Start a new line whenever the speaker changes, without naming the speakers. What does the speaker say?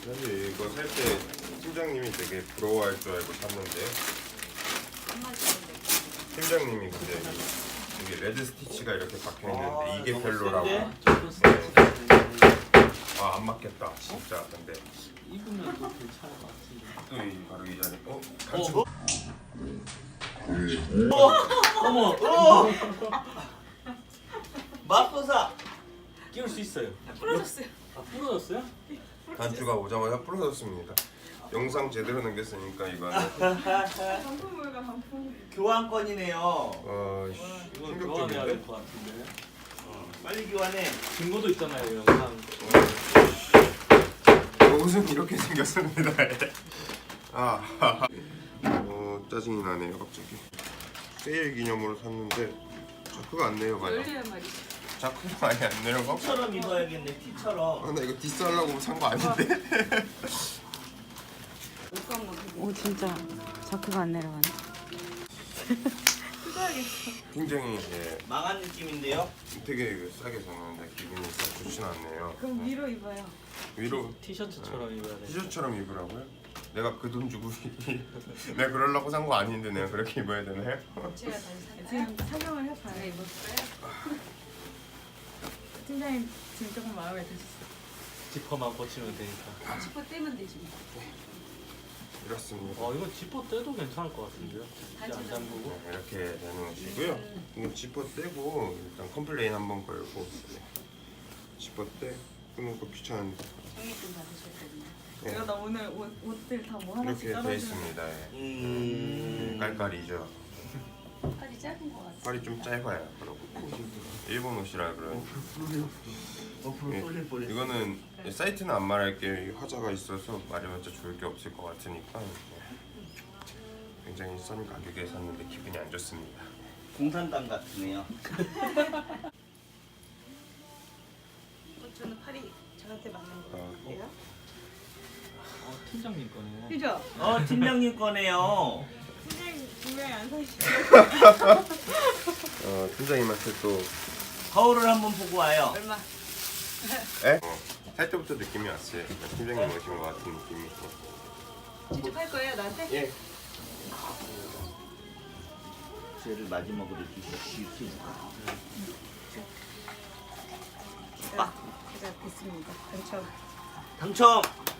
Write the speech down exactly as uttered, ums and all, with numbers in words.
사실 이거 살 때 팀장님이 되게 부러워할 줄 알고 샀는데 팀장님이 근데 이게 레드 스티치가 이렇게 박혀 있는데 이게 별로라고. 아, 안 맞겠다 진짜. 근데
입으면 또 괜찮을 것 같은데.
또 이 바르기 전에 어? 단추.
어? 어머, 어! 맙소사!
끼울 수 있어요.
부러졌어요.
아 부러졌어요?
단추가 오자마자 부러졌습니다. 영상 제대로 남겼으니까 이거는
반품물과 반품.
교환권이네요.
어,
이거 교환해야
충격적인데?
될 것 같은데.
빨리 교환해.
증거도 있잖아요 영상.
옷은 이렇게 생겼습니다. 아, 어, 짜증이 나네요 갑자기. 세일 기념으로 샀는데 자크가 안 내려가요.
열리란 말이지.
자크가 많이 안 내려가?
티처럼 입어야겠네, 티처럼.
아, 나 이거 디스하려고 산 거 아닌데?
옷도 한번 보고.
오 진짜 자크가 안 내려가네.
뜯어야겠어.
굉장히 예,
망한 느낌인데요?
되게 싸게 샀는데 기분이 썩 좋진 않네요.
그럼
네.
위로 입어요.
위로
티셔츠처럼 입어야 돼.
티셔츠처럼 입으라고요? 내가 그 돈 주고 내가 그러려고 산 거 아닌데 내가 그렇게 입어야 되나요?
제가 다시 사. 지금 착용을 해봐요. 네, 입었어요. 팀장님 지금 조금 마음에 드셨어요.
지퍼만 고치면 되니까.
지퍼 떼면 되지. 뭐.
이렇습니다.
어 이거 지퍼 떼도 괜찮을 것 같은데요? 진짜 안 잠그고.
네, 이렇게 내놓으시고요. 이거 지퍼 떼고 일단 컴플레인 한번 걸고 네. 지퍼 떼 끄는 거 귀찮은데
정리 좀 받으셔야 되나.
네.
내가 나 오늘 옷, 옷들 다 뭐 하나씩
이렇게 돼
떨어지는
있습니다. 예.
음...
깔깔이죠.
팔이 짧은 것 같아.
팔이 좀 짧아요. 그러고 일본 옷이라 그런.
어플 쏠릴 뻔했어.
이거는 사이트는 안 말할게요. 이 화자가 있어서 말해봤자 좋을 게 없을 것 같으니까 네. 굉장히 싼 가격에 샀는데 기분이 안 좋습니다.
공산당 같으네요.
저는 팔이 저한테 맞는 거 같아요.
어 팀장님 거네.
그죠?
어, 팀장님 거네요.
팀장님 분명히 안 사시죠?
어, 팀장님한테 또
거울을 한번 보고 와요.
얼마?
에? 어, 살 때부터 느낌이 왔어요. 팀장님 오신 것 같은 느낌이.
직접 할 거예요 나한테?
예.
쟤를 마지막으로 주시오.
아, 제가 됐습니다. 당첨.
당첨!